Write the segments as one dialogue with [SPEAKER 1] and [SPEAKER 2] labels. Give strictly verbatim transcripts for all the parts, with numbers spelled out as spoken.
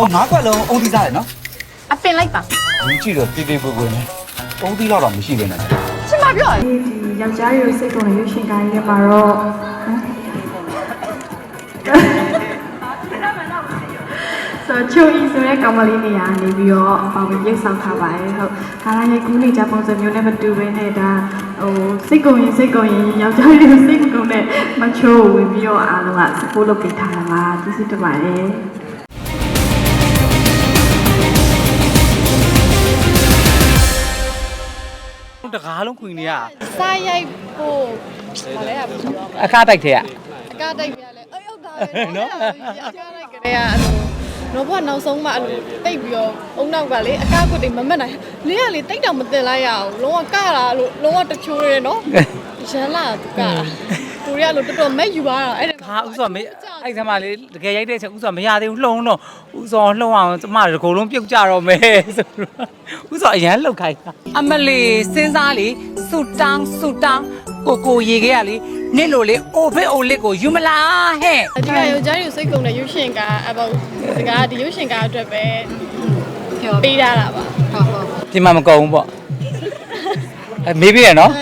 [SPEAKER 1] 哦，哪块龙？欧弟在呢？
[SPEAKER 2] အပင်လိုက်ပါ
[SPEAKER 1] 你记得对对不对呢？欧弟老老没戏了呢。
[SPEAKER 2] ရှင်းမပြောရ
[SPEAKER 3] ဒီယောက်ျားတွေကိုစိတ်ကုန်တဲ့ရွှေရှင်ကိုင်းလေးမှာတော့ဆိုချိုအီဆိုတဲ့ကောင်မလေးနေရာနေပြီးတော့ပါဝင်ရိတ်ဆောင်ထားပါတယ်ဟုတ်ဒါလည်းရဲ့ကူးနေကြပုံစံမျိုးနဲ့မတူဘဲနဲ့ဒါဟိုစိတ်ကုန်ရင်စိတ်ကုန်ရင်ယောက်ျားတွေကိုစိတ်မကုန်တဲ့မချိုးဝင်ပြီးတော့အားလုံးက support လုပ်ပေးထားတာပါကျေးဇူးတင်ပါတယ်
[SPEAKER 4] တကားလုံးခွင်နေရ
[SPEAKER 2] စားရိုက်ဖို့ဘာလဲရဘူး
[SPEAKER 4] အခါတိုက်ထဲက
[SPEAKER 2] အကားတိုက်ပြရလဲအေးဟုတ်တာပဲနော်အကားတိုက်ကလေးကအဲ့လိုတော့ဘာနောက်ဆုံးမှအဲ့လိုတိတ်ပြီးတော့အုံနောက်ကလေအကားကွတ်တွေမမက်နိုင်လေးကလေတိတ်တောင်မတင်လိုက်ရအောင်လုံးဝကတာလို့လုံးဝတချိုးရဲနော်ရန်လာသူကသူရလို့တော်တော်မဲ့ယူသွားတာအဲ့ဒါ
[SPEAKER 4] ဟာဥစောမေအဲ့ဆမ်းမလေးတကယ်ရိုက်တဲ့အချက်ဥစောမရသေးဘူးလှုံတော့ဥစောလှုံအောင်ကျမတကိုယ်လုံးပြုတ်ကြတော့မယ်ဆိုတော့ဥစောအရန်လှုပ်ခိုင်းတာအမလီစဉ်းစားလေဆူတောင်းဆူတောင်းကိုကိုရေခဲရလေနေ့လိုလေအိုဖေးအိုလစ်ကိုယူမလားဟဲ့
[SPEAKER 2] အဓိကယောက်ျားတွေကိုစိတ်ကုန်တဲ့ရုပ်ရှင်ကအပေါ့ဒီကဒီရုပ်ရှင်ကအတွက်ပဲပေးထားတာပါဟုတ်ဟုတ်
[SPEAKER 4] ပြင်မမကုန်ဘူးပေါ့အဲမေးပြရနော်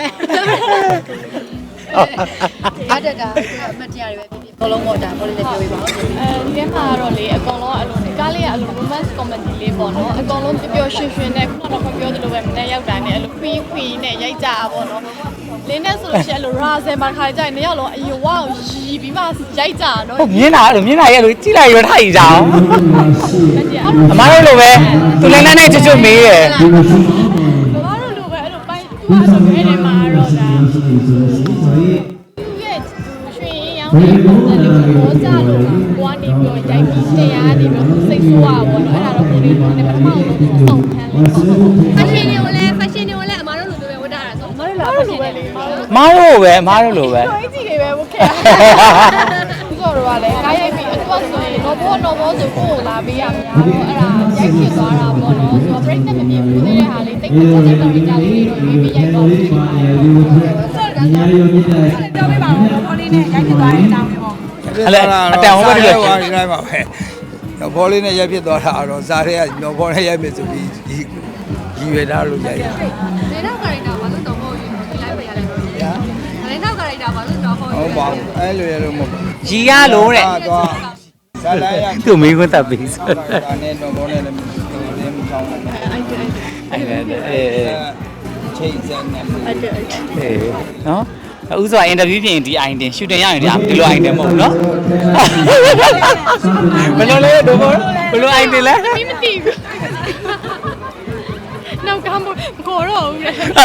[SPEAKER 5] အားတက်တာအမတရားတွေပဲဖြစ်ဖြစ်ဘောလုံးပေါ့ဒါဘောလေးလည်းပြောပြပါဦး
[SPEAKER 2] အဲဒီထဲမှာတော့လေအကောင်လုံးအလုံးကားလေးကအလုံး romance comedy လေးပေါ့နော်အကောင်လုံးပျော်ပျော်ရွှင်ရွှင်နဲ့ခုနကတော့ပြောသလိုပဲမနေ့ရောက်တာနဲ့အလို queen queen နဲ့ရိုက်ကြတာပေါ့နော်လင်းနဲ့ဆိုလို့ရှိရင်အလို razel မှာခါကြရင်နှစ်ယောက်လုံးအယဝကိုရီပြီးမှရိုက်ကြတာနော်
[SPEAKER 4] ဟုတ်မြင်တာအဲ့လိုမြင်တာရဲ့လို့ကြည့်လိုက်ရထိုက်ကြအောင်အမားတို့လိုပဲသူလည်းနဲ့နဲ့ချွတ်ချွတ်မေးရယ်
[SPEAKER 2] ဘာလို့လိုပဲအဲ့လိုပိုင်းသူကဆိုအဲ့ဒီမှာတော့ဒါသူရဲ့ရွှင်ရောင်းတဲ့ပုံစံလေးကိုပေါ်ကြလို့ကိုကနေပြီးရိုက်ပြီးတရားနေပြီးစိတ်ဆိုးရပါတော့အဲ့ဒါတော့ကိုလေးတို့နဲ့ပထမဆုံးပုံခံလေးပေါ့
[SPEAKER 5] fashion တွေကိုလည်း fashion တွေကိုလည်းအမားတို့လိုလိုပဲဝတ်ထားတာဆိုအမားတို့လည်း fashion တွေလေ
[SPEAKER 4] မားတို့ပဲမားတို့လိုပဲ
[SPEAKER 2] တော်ကြီးတွေပဲဝတ်ခဲ့တာသူတို့ကလည်းကားရိုက်ပြီးအတူဆိုရင်တော့ဘောတော့ဘောဆိုကိုကိုလာပေးရမှာပေါ့အဲ့ဒါရိုက်ဖြစ်သွားတာပေါ့နော်ဆိုတော့ break နဲ့မပြေဘူးသေးတဲ့ဟာလေးတိတ်တိတ်တိတ်တော်ကြလေးတွေတော့ရွေးပြီးရိုက်တော့ဖြစ်ပါတယ်
[SPEAKER 5] ပြောပြပါဦးဘောလေးနဲ့ရိုက်ဖြစ်သွားတဲ့အကြောင်းလေးပေါ့
[SPEAKER 4] အဲ့လေအတန်ဟောပဲဒီလို
[SPEAKER 6] ဟိုဒီတိုင်းပါပဲတော့ဘောလေးနဲ့ရိုက်ဖြစ်သွားတာတော့ဇာတွေကတော့ဘောနဲ့ရိုက်မယ်ဆိုပြီးဒီရည်ရွယ်ထားလို့ရိုက်တာ
[SPEAKER 5] ဒီနောက်ကာရိုက်တာဘာလို့တော့မဟုတ်ဘူးဒီလိုက်ပဲရလိုက်တော့ညာဒီနောက်ကာရိုက်တာဘာလို့တော့ဟုတ်
[SPEAKER 6] ဟုတ်ပါဘူးအဲ့လိုရလို့မဟုတ်ဘူး
[SPEAKER 4] ရီရလို့တဲ့
[SPEAKER 6] တော့ဇာလိုက်ရ
[SPEAKER 4] သူ့မိခွန်းတပ်ပြီးဆို
[SPEAKER 6] ဒါနဲ့တော့ဘောနဲ့လည်းမင်းမချောင်းဘူး
[SPEAKER 4] အဲ့ဒါအေး
[SPEAKER 6] ချိန်စက်နဲ့
[SPEAKER 2] အဲ့ဒါအဲ့ဒါ
[SPEAKER 4] အေးနော်ဥစွာအင်တာဗျူးပြင်ဒီအိုင်တင်ရှူတင်ရရင်ဒီလိုအိုင်တင်မဟုတ်ဘူးနော်ဘယ်လိုလဲတို့ဘောဘယ်လိုအိုင်တင်လဲ
[SPEAKER 2] မင်းမသိဘူးနောက်ကမ်းကိုတော့ဦးလေ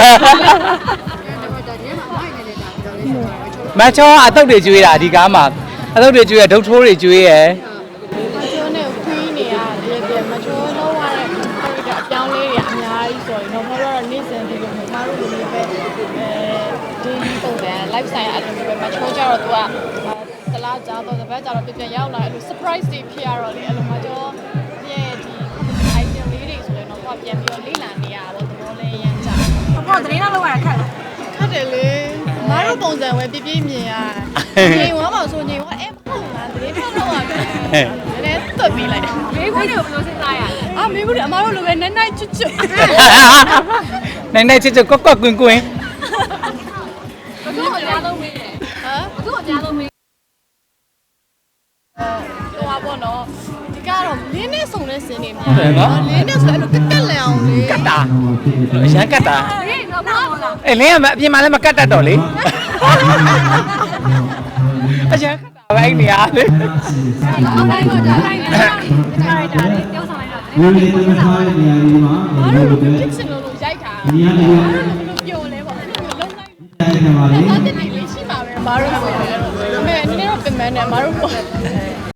[SPEAKER 4] မချောအတုတ်တွေကျွေးတာဒီကားမှာအတုတ်တွေကျွေးရဒုတ်ထိုးတွေကျွေးရ
[SPEAKER 2] မချိုးနဲ့ခွေးနေရတယ်ပြမချိုးလုံးရတဲ့အပြောင်းလေးတွေအများကြီးဆိုရင်တော့ဘာလို့တော့နေ့စဉ်ဒီလိုမျိုးမတို့လိုမျိုးပဲအဲဒီပုံစံ live style အဲ့လိုမျိုးပဲမချိုးကြတော့သူကတလားကြတော့တပတ်ကြတော့ပြပြန်ရောက်လာအဲ့လို surprise တွေဖြစ်ရတော့လေအဲ့လိုမှတော့ရဲ့ဒီ item လေးတွေဆိုရင်တော့သူကပြန်ပြီးတော့လေ့လာနေရတော့သဘောလဲရမ်းကြ
[SPEAKER 5] ဘောသတင်းတော့လောက်ရခက်တယ်
[SPEAKER 2] ခတ်တယ်လေမတို့ပုံစံဝဲပြပြမြင်ရငိမ်ဝါပါဆိုငိမ်ဝါအဲ့မဟုတ်လားတကယ်တော့တော့ရတယ်နည်းသွတ်ပြီးလိုက်တယ်
[SPEAKER 5] မေးခွန်းတွေကိုဘယ်လိုစဉ်းစားရလဲ
[SPEAKER 2] အာမေဘူးအမတို့လိုပဲနိုင်နိုင်ချွတ်ချွတ်
[SPEAKER 4] နိုင်နိုင်ချစ်ချစ်ကွက်ကွက်ကွင်းကွင်း
[SPEAKER 5] ဘသူ့ကိုကြားလုံးမေးတယ်
[SPEAKER 2] ဟမ်
[SPEAKER 5] ဘသူ့ကိုကြားလုံးမေး
[SPEAKER 2] ဟိုပါဘောနော်ဒီကတော့လင်းနဲ့စုံတဲ့စင်းနေများလင်းနဲ့ဆိုအဲ့လိုကက်ကက်လန်အောင်လေ
[SPEAKER 4] ကတ်တာအရန်ကတ်တာ
[SPEAKER 5] ဟေးတော့ဘာလို့လဲ
[SPEAKER 4] အေးလင်းကအပြင်မှာလည်းမကတ်တတ်တော့လေအရန်ကတ်တာပဲအဲ့နေရလေ
[SPEAKER 5] အော်တိုင်းကိုကြားလိုက်တယ်ကြားလိုက်တာလေပြောဆောင်လိုက်တော့
[SPEAKER 7] ဝေးလေးထားတဲ့နေရာဒီမှာ
[SPEAKER 2] မ
[SPEAKER 7] ဘယ်
[SPEAKER 2] တို့
[SPEAKER 7] လို
[SPEAKER 2] လို
[SPEAKER 7] လဲ
[SPEAKER 2] ဖြစ်စင်လို့ရိုက်တာ
[SPEAKER 7] ဒီနေရာဒီမှာ
[SPEAKER 2] ဘယ်လိုပြောလဲပေါ့လုံးလိုက်
[SPEAKER 7] တဲ့နေရာမှာလေ
[SPEAKER 2] တော့တင်နေလေးရှိပါပဲမတို့ဆိုရင်လည်းအမေအနေနဲ့တော့ပြင်မနဲ့မတို့ပေါ့